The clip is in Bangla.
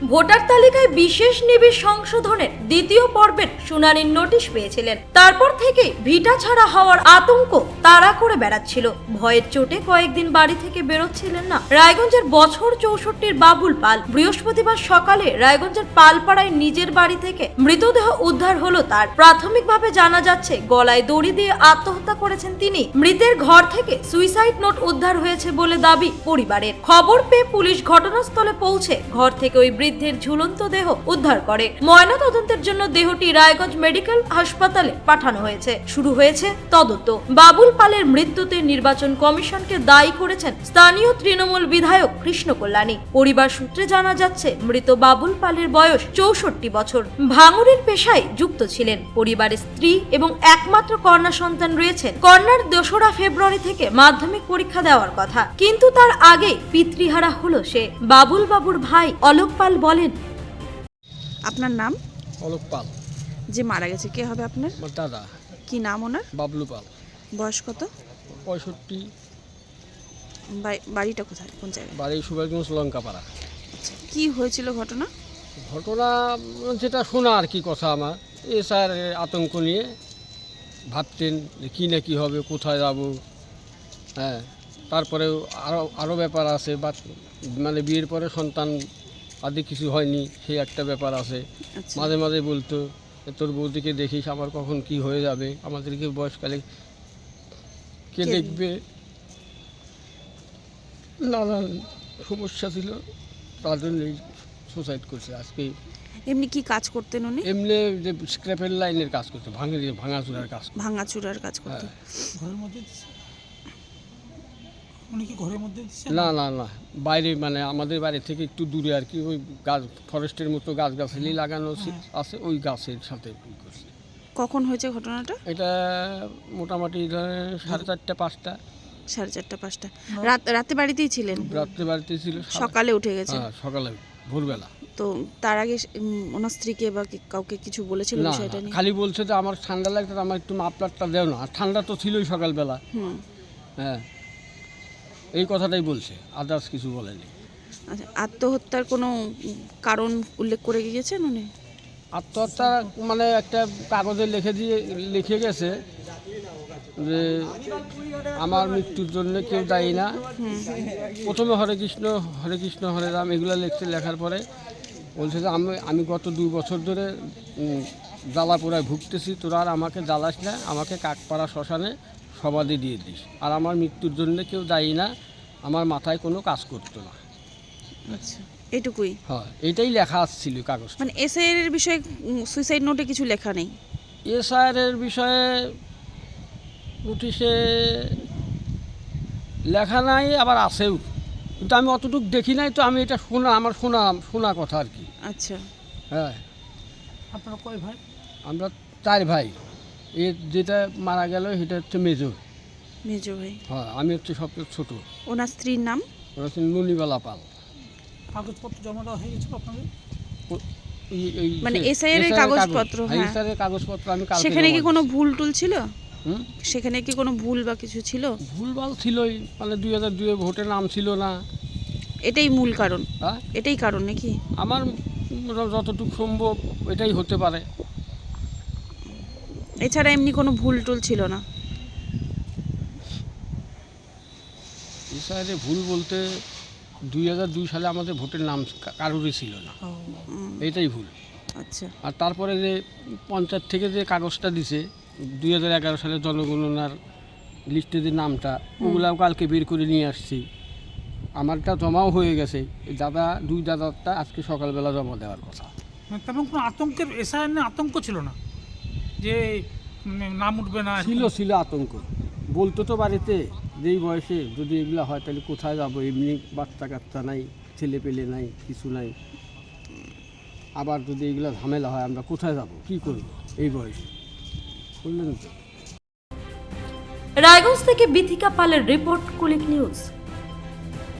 ভোটার তালিকায় বিশেষ নিবিড় সংশোধনের দ্বিতীয় পর্বের শুনানির নোটিশ পেয়েছিলেন। তারপর থেকে ভিটা ছাড়া হওয়ার আতঙ্ক তাড়া করে বেড়াচ্ছিল। ভয়ের চোটে কয়েকদিন বাড়ি থেকে বেরোচ্ছিলেন না রায়গঞ্জের বছর 64 বাবুল পাল। বৃহস্পতিবার সকালে রায়গঞ্জের পালপাড়ায় নিজের বাড়ি থেকে মৃতদেহ উদ্ধার হলো তার। প্রাথমিকভাবে জানা যাচ্ছে গলায় দড়ি দিয়ে আত্মহত্যা করেছেন তিনি। মৃতের ঘর থেকে সুইসাইড নোট উদ্ধার হয়েছে বলে দাবি পরিবারের। খবর পেয়ে পুলিশ ঘটনাস্থলে পৌঁছে ঘর থেকে ওই বৃদ্ধের ঝুলন্ত দেহ উদ্ধার করে। ময়নাতদন্তের জন্য দেহটি রায়গঞ্জ মেডিকেল হাসপাতালে পাঠানো হয়েছে। শুরু হয়েছে তদন্ত। বাবুল পালের মৃত্যুতে নির্বাচন কমিশনকে দায়ী করেছেন স্থানীয় তৃণমূল বিধায়ক কৃষ্ণ কল্যাণী। পরিবার সূত্রে জানা যাচ্ছে মৃত বাবুল পালের বয়স 64 বছর। ভাঙুরের পেশায় যুক্ত ছিলেন। পরিবারের স্ত্রী এবং একমাত্র কন্যা সন্তান রয়েছেন। কন্যার 2রা ফেব্রুয়ারি থেকে মাধ্যমিক পরীক্ষা দেওয়ার কথা, কিন্তু তার আগে পিতৃহারা হলো সে। বাবুল বাবুর ভাই অলোক পাল বলেন, আপনার নাম? অলোক পাল। যে মারা গেছে কে হবে আপনার? আমার দাদা। কি নাম ওনার? বাবলু পাল। বয়স কত? 65। বাড়িটা কোথায়, কোন জায়গায়? বাড়ি সুভাষগঞ্জ লঙ্কাপাড়া। আচ্ছা, কি হয়েছিল ঘটনা? ঘটনা যেটা শোনা আর কি কথা, আমার স্যার আতঙ্ক নিয়ে ভাবতেন যে কী না কী হবে, কোথায় যাব। হ্যাঁ, তারপরে আরও ব্যাপার আছে, বা মানে বিয়ের পরে সন্তান আদি কিছু হয়নি, সেই একটা ব্যাপার আছে। আচ্ছা। মাঝে মাঝে বলতো তোর বৌদিকে দেখিস, আমার কখন কি হয়ে যাবে, আমাদেরকে বয়সকালে কে দেখবে, নানান সমস্যা ছিল, তার জন্যই সুসাইড করছে। আজকে এমনি কি কাজ করতেন উনি? এমনি যে স্ক্র্যাপের লাইনের কাজ করতো, ভাঙাচুরার কাজ। ভাঙাচুরার কাজ করতেন। ঘরের মধ্যে উনি কি ঘরের মধ্যে দিচ্ছেন? না না না, বাইরে, মানে আমাদের বাড়ি থেকে একটু দূরে আর কি, ওই গাছ ফরেস্টের মতো গাছগাছালি লাগানো আছে, ওই গাছের সাথে করছে। কখন হয়েছে ঘটনাটা? এটা মোটামুটি ধরেন 4:30-5টা। 4:30-5টা। রাতে বাড়িতেই ছিলেন? রাত্রে বাড়িতে ছিল, সকালে উঠে গেছে? হ্যাঁ, সকালে ভোরবেলা। তো তার আগে ওনার স্ত্রীকে বা কাউকে কিছু বলেছিল না, বিষয়টা নিয়ে? খালি বলছে যে আমার ঠান্ডা লাগছে, আমার একটু মাফলারটা দেও না। আর ঠান্ডা তো ছিলই সকালবেলা। হ্যাঁ, এই কথাটাই বলছে, আদার্স কিছু বলেনি। আচ্ছা, আত্মহত্যার কোনো কারণ উল্লেখ করে গিয়েছেন উনি? আত্মহত্যা মানে একটা কাগজে লিখে গেছে যে আমার মৃত্যুর জন্য কেউ দায়ী না। প্রথমে হরে কৃষ্ণ হরে রাম এগুলো লেখার পরে বলছে যে আমি গত 2 বছর ধরে জ্বালা পোড়ায় ভুগতেছি, তোরা আর আমাকে জ্বালাস না, আমাকে কাকপাড়া শ্মশানে সমাধি দিয়ে দিস। আর আমার মৃত্যুর জন্য কেউ দায়ী না, আমার মাথায় কোনো কাজ করতো না। আচ্ছা, এটুকুই? হ্যাঁ, এটাই লেখা আসছিল কাগজ। মানে এসআইআর এর বিষয়ে সুইসাইড নোটে কিছু লেখা নেই? এসআইআর এর বিষয়ে নোটিশে লেখা নাই, আবার আছেও, কিন্তু আমি অতটুকু দেখি নাই, তো আমি এটা আমার শোনা কথা আর কি। আচ্ছা। হ্যাঁ। আপনারা কয় ভাই? আমরা 4 ভাই। যেটা মারা গেল সেটা হচ্ছে মেজো ভাই। হ্যাঁ, আমি হচ্ছে সবচেয়ে ছোট। ওনার স্ত্রীর নাম? ওরা হচ্ছে নুনিবালা পাল। কাগজপত্র জমা দেওয়া হয়ে গেছিল আপনাদের? মানে এসআইআর এর কাগজপত্র? হ্যাঁ, এসআইআর এর কাগজপত্র আমি কালকে। সেখানে কি কোনো ভুল টুল ছিল? সেখানে কি কোনো ভুল বা কিছু ছিল? ভুলভাল ছিলই, মানে 2002 ভোটে নাম ছিল না। এটাই মূল কারণ? হ্যাঁ, এটাই কারণ নাকি? আমার যতটুকু সম্ভব এটাই হতে পারে। এছাড়া এমনি কোনো ভুল টুল ছিল না? এসআইআরে ভুল বলতে 2002 সালে আমাদের ভোটের নাম কারোরই ছিল না, এইটাই ভুল। আচ্ছা। আর তারপরে যে পঞ্চায়েত থেকে যে কাগজটা দিছে 2011 সালে জনগণনার লিস্টে যে নামটা, ওগুলাও কালকে বের করে নিয়ে আসছি। আমারটা জমাও হয়ে গেছে, দুই দাদারটা আজকে সকালবেলা জমা দেওয়ার কথা। তেমন কোনো আতঙ্কের এসআইআর নিয়ে আতঙ্ক ছিল না যে নাম উঠবে না? ছিল আতঙ্ক। বলতো তো বাড়িতে যেই বয়সে যদি এগুলো হয় তাহলে কোথায় যাবো, এমনি বাচ্চা কাচ্চা নাই, ছেলে পেলে নাই, কিছু নাই, আবার যদি এগুলো ঝামেলা হয় আমরা কোথায় যাব, কি করবো এই বয়সে, বললেন তো। রায়গঞ্জ থেকে বিথিকা পালের রিপোর্ট, কুলিক নিউজ।